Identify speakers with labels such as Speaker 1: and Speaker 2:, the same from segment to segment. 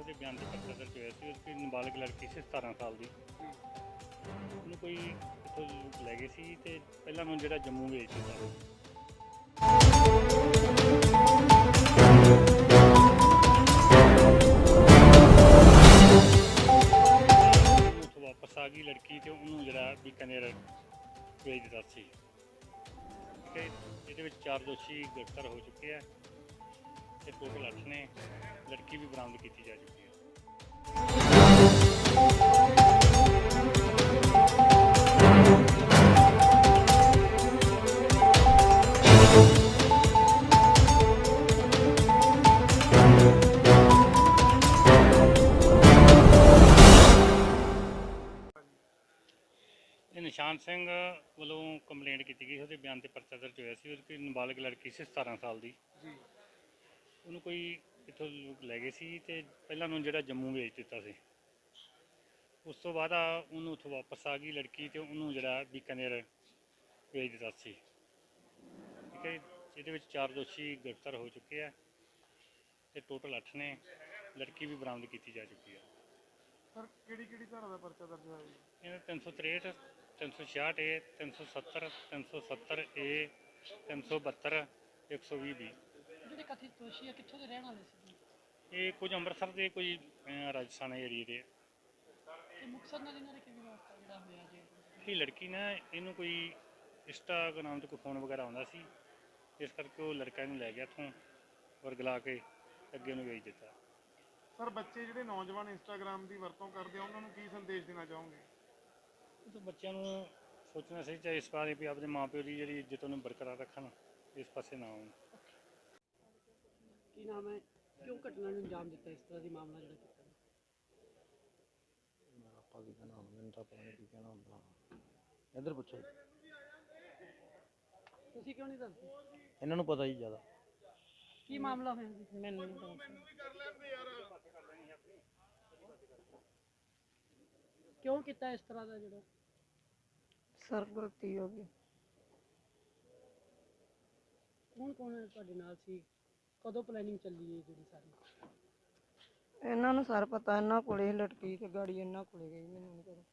Speaker 1: ਉਹਦੇ ਬਿਆਨ 'ਤੇ ਪਰਚਾ ਦਰਜ ਹੋਇਆ ਸੀ। ਉਹਦੀ ਨਾਬਾਲਗ ਲੜਕੀ ਸੀ 17 ਸਾਲ ਦੀ। ਉਹਨੂੰ ਕੋਈ ਇੱਥੋਂ ਲੈ ਗਏ ਸੀ ਅਤੇ ਪਹਿਲਾਂ ਉਹਨੂੰ ਜਿਹੜਾ ਜੰਮੂ ਵੇਚ ਦਿੱਤਾ ਸੀ। ਉੱਥੋਂ ਵਾਪਸ ਆ ਗਈ ਲੜਕੀ ਅਤੇ ਉਹਨੂੰ ਜਿਹੜਾ ਬੀਕਾਨੇਰ ਵੇਚ ਦਿੱਤਾ ਸੀ। ਠੀਕ ਹੈ, ਇਹਦੇ ਵਿੱਚ 4 ਦੋਸ਼ੀ ਗ੍ਰਿਫਤਾਰ ਹੋ ਚੁੱਕੇ ਆ ਅਤੇ ਟੋਟਲ 8 ਨੇ। ਲੜਕੀ ਵੀ ਬਰਾਮਦ ਕੀਤੀ ਜਾ ਚੁੱਕੀ ਹੈ। ਇਹ ਨਿਸ਼ਾਨ ਸਿੰਘ ਵੱਲੋਂ ਕੰਪਲੇਂਟ ਕੀਤੀ ਗਈ, ਉਹਦੇ ਬਿਆਨ 'ਤੇ ਪਰਚਾ ਦਰਜ ਹੋਇਆ ਸੀ। ਉਹਦੀ ਨਾਬਾਲਗ ਲੜਕੀ ਸੀ 17 ਸਾਲ ਦੀ। ਉਹਨੂੰ ਕੋਈ ਇੱਥੋਂ ਲੈ ਗਏ ਸੀ ਅਤੇ ਪਹਿਲਾਂ ਉਹਨੂੰ ਜਿਹੜਾ ਜੰਮੂ ਵੇਚ ਦਿੱਤਾ ਸੀ। ਉਸ ਤੋਂ ਬਾਅਦ ਉਹਨੂੰ ਉੱਥੋਂ ਵਾਪਸ ਆ ਗਈ ਲੜਕੀ ਅਤੇ ਉਹਨੂੰ ਜਿਹੜਾ ਬੀਕਾਨੇਰ ਵੇਚ ਦਿੱਤਾ ਸੀ। ਠੀਕ ਹੈ, ਇਹਦੇ ਵਿੱਚ 4 ਦੋਸ਼ੀ ਗ੍ਰਿਫਤਾਰ ਹੋ ਚੁੱਕੇ ਆ ਅਤੇ ਟੋਟਲ 8 ਨੇ। ਲੜਕੀ ਵੀ ਬਰਾਮਦ ਕੀਤੀ ਜਾ ਚੁੱਕੀ ਹੈ।
Speaker 2: ਸਰ ਕਿਹੜੀ ਧਾਰਾ ਦਾ ਪਰਚਾ ਦਰਜ ਹੋਇਆ ਜੀ?
Speaker 1: ਇਹਨਾਂ 363, 366 ਏ, 370, 370 ਏ, 372, 120
Speaker 3: ਜਿਹੜੇ ਕਥਿਤ ਦੋਸ਼ੀ ਆ ਕਿੱਥੋਂ ਦੇ ਰਹਿਣ ਵਾਲੇ ਸੀ?
Speaker 1: ਇਹ ਕੁਝ ਅੰਮ੍ਰਿਤਸਰ ਦੇ, ਕੋਈ ਰਾਜਸਥਾਨ ਏਰੀਏ ਦੇ।
Speaker 3: ਤੇ ਮੁਕਤਸਰ ਨਾਲ ਇਹਨਾਂ ਦਾ ਕਿਵੇਂ ਵਾਸਤਾ ਜਿਹੜਾ ਹੋਇਆ ਜੀ?
Speaker 1: ਇਹ ਲੜਕੀ ਨਾ ਇਹਨੂੰ ਕੋਈ ਇੰਸਟਾਗ੍ਰਾਮ 'ਤੇ ਕੋਈ ਫੋਨ ਵਗੈਰਾ ਆਉਂਦਾ ਸੀ, ਇਸ ਕਰਕੇ ਉਹ ਲੜਕਾ ਇਹਨੂੰ ਲੈ ਗਿਆ ਇੱਥੋਂ ਔਰ ਗਲਾ ਕੇ ਅੱਗੇ ਉਹਨੂੰ ਵੇਚ ਦਿੱਤਾ।
Speaker 2: ਸਰ ਬੱਚੇ ਜਿਹੜੇ ਨੌਜਵਾਨ ਇੰਸਟਾਗ੍ਰਾਮ ਦੀ ਵਰਤੋਂ ਕਰਦੇ ਆ ਉਹਨਾਂ ਨੂੰ ਕੀ ਸੰਦੇਸ਼ ਦੇਣਾ ਚਾਹੋਗੇ?
Speaker 1: ਤਾਂ ਬੱਚਿਆਂ ਨੂੰ ਸੋਚਣਾ ਚਾਹੀਦਾ ਇਸ ਬਾਰੇ ਵੀ ਆਪਣੇ ਮਾਂ ਪਿਓ ਦੀ ਜਿਹੜੀ ਇੱਜ਼ਤ ਉਹਨੂੰ ਬਰਕਰਾਰ ਰੱਖਣ, ਇਸ ਪਾਸੇ ਨਾ ਆਉਣ।
Speaker 3: ਕੀ ਨਾਮ ਹੈ, ਕਿਉਂ ਘਟਨਾ ਨੂੰ ਅੰਜਾਮ ਦਿੱਤਾ, ਇਸ ਤਰ੍ਹਾਂ ਦੀ ਮਾਮਲਾ ਜਿਹੜਾ ਕੀਤਾ?
Speaker 4: ਆਪਾਂ ਕੀ ਕਹਿਣਾ ਹੁਣ, ਮੈਨੂੰ ਤਾਂ ਪਤਾ ਨਹੀਂ ਕੀ ਕਹਿਣਾ ਹੁੰਦਾ। ਇੱਧਰ ਪੁੱਛੋ,
Speaker 3: ਤੁਸੀਂ ਕਿਉਂ ਨਹੀਂ ਦੱਸਦੇ?
Speaker 4: ਇਹਨਾਂ ਨੂੰ ਪਤਾ ਹੀ ਜ਼ਿਆਦਾ।
Speaker 3: ਕੀ ਮਾਮਲਾ ਹੋਇਆ ਜੀ? ਮੈਨੂੰ ਨਹੀਂ ਪਤਾ। ਕਿਉਂ ਕੀਤਾ ਇਸ ਤਰ੍ਹਾਂ ਦਾ ਜਿਹੜਾ?
Speaker 5: ਸਰ ਗਲਤੀ ਹੋ ਗਈ।
Speaker 3: ਕੌਣ ਕੌਣ ਤੁਹਾਡੇ ਨਾਲ ਸੀ? ਕਦੋਂ ਪਲੈਨਿੰਗ ਚੱਲੀ ਹੈ ਜਿਹੜੀ ਸਾਰੀ?
Speaker 5: ਇਹਨਾਂ ਨੂੰ ਸਰ ਪਤਾ, ਇਹਨਾਂ ਕੋਲੇ ਲਟਕੀ ਤੇ ਗਾੜੀ ਇਹਨਾਂ ਕੋਲੇ ਗਈ, ਮੈਨੂੰ ਨਹੀਂ ਪਤਾ।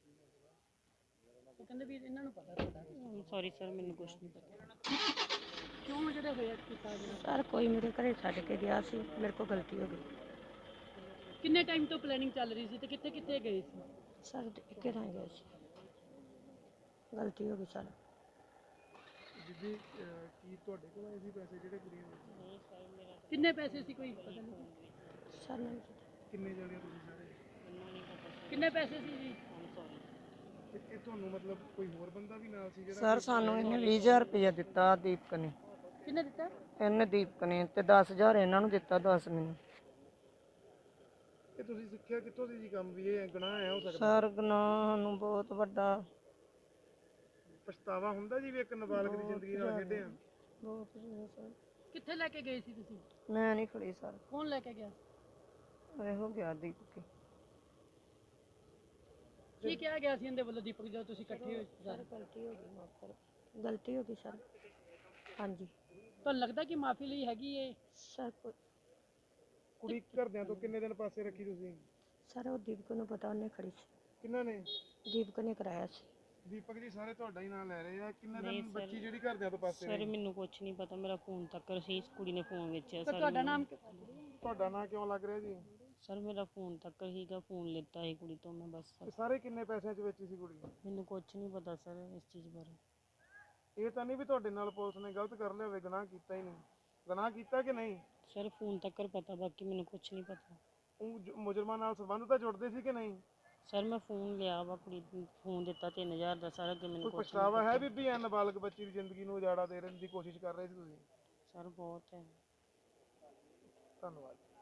Speaker 3: ਉਹ ਕਹਿੰਦੇ ਵੀ ਇਹਨਾਂ ਨੂੰ ਪਤਾ ਤੁਹਾਡਾ।
Speaker 6: ਸੌਰੀ ਸਰ, ਮੈਨੂੰ ਕੁਛ ਨਹੀਂ ਪਤਾ।
Speaker 3: ਕਿਉਂ ਜਿਹੜਾ ਹੋਇਆ ਕੀਤਾ ਜਿਹੜਾ?
Speaker 6: ਸਰ ਕੋਈ ਮੇਰੇ ਘਰੇ ਛੱਡ ਕੇ ਗਿਆ ਸੀ, ਮੇਰੇ ਕੋਲ ਗਲਤੀ ਹੋ ਗਈ।
Speaker 3: ਕਿੰਨੇ ਟਾਈਮ ਤੋਂ ਪਲੈਨਿੰਗ ਚੱਲ ਰਹੀ ਸੀ ਤੇ ਕਿੱਥੇ ਕਿੱਥੇ ਗਏ ਸੀ?
Speaker 6: ਸਰ ਇੱਕੇ ਥਾਂ ਗਏ ਸੀ, ਗਲਤੀ ਹੋ ਗਈ ਸਰ।
Speaker 2: ਜਿੱਦੀ ਕੀ ਤੁਹਾਡੇ ਕੋਲ ਆਏ ਸੀ ਪੈਸੇ ਜਿਹੜੇ ਕੁੜੀਆਂ ਦੇ?
Speaker 3: ਕਿੰਨੇ ਪੈਸੇ ਸੀ, ਕੋਈ ਪਤਾ ਨਹੀਂ?
Speaker 6: ਸਰ ਨਹੀਂ
Speaker 2: ਕਿੰਨੇ ਜਣੇ ਤੁਸੀਂ ਸਾਰੇ?
Speaker 3: ਕਿੰਨੇ ਪੈਸੇ ਸੀ ਜੀ?
Speaker 2: ਤੇ ਇਹ ਤੁਹਾਨੂੰ ਮਤਲਬ ਕੋਈ ਹੋਰ ਬੰਦਾ ਵੀ ਨਾਲ ਸੀ ਜਿਹੜਾ?
Speaker 5: ਸਰ ਸਾਨੂੰ ਇਹਨੇ 20,000 ਰੁਪਇਆ ਦਿੱਤਾ ਦੀਪਕ ਨੇ।
Speaker 3: ਕਿੰਨੇ ਦਿੱਤਾ?
Speaker 5: ਇਹਨੇ ਦੀਪਕ ਨੇ, ਤੇ 10,000 ਇਹਨਾਂ ਨੂੰ ਦਿੱਤਾ, 10 ਮੈਨੂੰ।
Speaker 2: ਇਹ ਤੁਸੀਂ ਸਿੱਖਿਆ ਕਿੱਥੋਂ ਸੀ ਜੀ ਕੰਮ ਵੀ ਇਹ ਗੁਨਾਹ ਹੈ ਹੋ ਸਕਦਾ?
Speaker 5: ਸਰ ਗੁਨਾਹ ਨੂੰ ਬਹੁਤ ਵੱਡਾ,
Speaker 2: ਪਛਤਾਵਾ ਹੁੰਦਾ ਜੀ ਵੀ ਇੱਕ ਨਾਬਾਲਗ ਦੀ ਜ਼ਿੰਦਗੀ ਨਾਲ ਖੇਡੇ ਆ?
Speaker 5: ਬਹੁਤ ਜ਼ਿਆਦਾ ਸਰ।
Speaker 3: ਕਿੱਥੇ ਲੈ ਕੇ ਗਏ ਸੀ ਤੁਸੀਂ?
Speaker 5: ਮੈਂ ਨਹੀਂ ਖੜੀ ਸਰ,
Speaker 3: ਕੌਣ ਲੈ ਕੇ ਗਿਆ?
Speaker 5: ਇਹੋ ਗਿਆ ਦੀਪਕ।
Speaker 3: ਕੀ ਕਿਹਾ ਗਿਆ ਸੀ ਇਹਦੇ ਵੱਲੋਂ ਦੀਪਕ ਜਦੋਂ ਤੁਸੀਂ ਇਕੱਠੇ ਹੋਏ ਸੀ?
Speaker 6: ਸਰ ਗਲਤੀ ਹੋ ਗਈ, ਮਾਫ ਕਰੋ, ਗਲਤੀ ਹੋ ਗਈ ਸਰ। ਹਾਂਜੀ
Speaker 3: ਤੁਹਾਨੂੰ ਲੱਗਦਾ ਕਿ ਮਾਫੀ ਲਈ ਹੈਗੀ ਏ?
Speaker 6: ਸਰ
Speaker 2: ਕੁੜੀ ਘਰਦਿਆਂ ਤੋਂ ਕਿੰਨੇ ਦਿਨ ਪਾਸੇ ਰੱਖੀ ਤੁਸੀਂ?
Speaker 6: ਸਰ ਉਹ ਦੀਪਕ ਨੂੰ ਪਤਾ, ਉਹਨੇ ਖੜੀ ਸੀ,
Speaker 2: ਕਿੰਨਾ ਨੇ?
Speaker 6: ਦੀਪਕ ਨੇ ਕਰਾਇਆ ਸੀ।
Speaker 2: ਦੀਪਕ ਜੀ ਸਾਰੇ ਤੁਹਾਡਾ ਹੀ ਨਾਮ ਲੈ ਰਹੇ ਆ। ਕਿੰਨੇ
Speaker 6: ਨਹੀਂ
Speaker 2: ਦਿਨ
Speaker 6: ਸਰ।
Speaker 2: ਬੱਚੀ ਜਿਹੜੀ ਘਰਦਿਆਂ ਤੋਂ ਪਾਸੇ
Speaker 6: ਸਰ
Speaker 2: ਰਹੀ?
Speaker 6: ਮੈਨੂੰ ਕੁਛ ਨਹੀਂ ਪਤਾ, ਮੇਰਾ ਫੋਨ ਤੱਕ ਸੀ, ਇਸ ਕੁੜੀ ਨੇ ਫੋਨ ਵੇਚਿਆ
Speaker 3: ਤਾਂ
Speaker 6: ਸਰ।
Speaker 3: ਤੁਹਾਡਾ ਨਾਮ?
Speaker 2: ਤੁਹਾਡਾ ਨਾਂ ਕਿਉਂ ਲੱਗ ਰਿਹਾ ਜੀ?
Speaker 6: ਸਰ ਮੇਰਾ ਫੋਨ ਤੱਕ ਹੀਗਾ, ਫੋਨ ਲਿੱਤਾ ਸੀ ਕੁੜੀ ਤੋਂ ਮੈਂ ਬਸ।
Speaker 2: ਤੇ ਸਾਰੇ ਕਿੰਨੇ ਪੈਸਿਆਂ 'ਚ ਵੇਚੀ ਸੀ ਕੁੜੀ?
Speaker 6: ਮੈਨੂੰ ਕੁਛ ਨਹੀਂ ਪਤਾ ਸਰ ਇਸ ਚੀਜ਼ ਬਾਰੇ।
Speaker 2: ਇਹ ਤਾਂ ਨਹੀਂ ਵੀ ਤੁਹਾਡੇ ਨਾਲ ਪੁਲਿਸ ਨੇ ਗਲਤ ਕਰ ਲਿਆ ਹੋਵੇ, ਗੁਨਾਹ ਕੀਤਾ ਹੀ ਨਹੀਂ? ਗੁਨਾਹ ਕੀਤਾ ਕਿ ਨਹੀਂ?
Speaker 6: ਸਰ ਫੋਨ ਤੱਕ ਪਤਾ, ਬਾਕੀ ਮੈਨੂੰ ਕੁਛ ਨਹੀਂ ਪਤਾ।
Speaker 2: ਉਹ ਮੁਜਰਮਾਂ ਨਾਲ ਸੰਬੰਧ ਤਾਂ ਜੁੜਦੇ ਸੀ ਕਿ ਨਹੀਂ?
Speaker 6: ਸਰ ਮੈਂ ਫੋਨ ਲਿਆ ਵਾ, ਕੁੜੀ ਨੂੰ ਫੋਨ ਦਿੱਤਾ 3000 ਦਾ ਸਰ, ਅੱਗੇ ਮੈਨੂੰ
Speaker 2: ਕੋਈ
Speaker 6: ਕੁਛ
Speaker 2: ਪਛਤਾਵਾ ਹੈ ਬੀਬੀ ਐ ਨਾਬਾਲਗ ਬੱਚੀ ਦੀ ਜ਼ਿੰਦਗੀ ਨੂੰ ਉਜਾੜਾ ਦੇਣ ਦੀ ਕੋਸ਼ਿਸ਼ ਕਰ ਰਹੇ ਸੀ ਤੁਸੀਂ?
Speaker 6: ਸਰ ਬਹੁਤ ਹੈ।
Speaker 2: ਧੰਨਵਾਦ।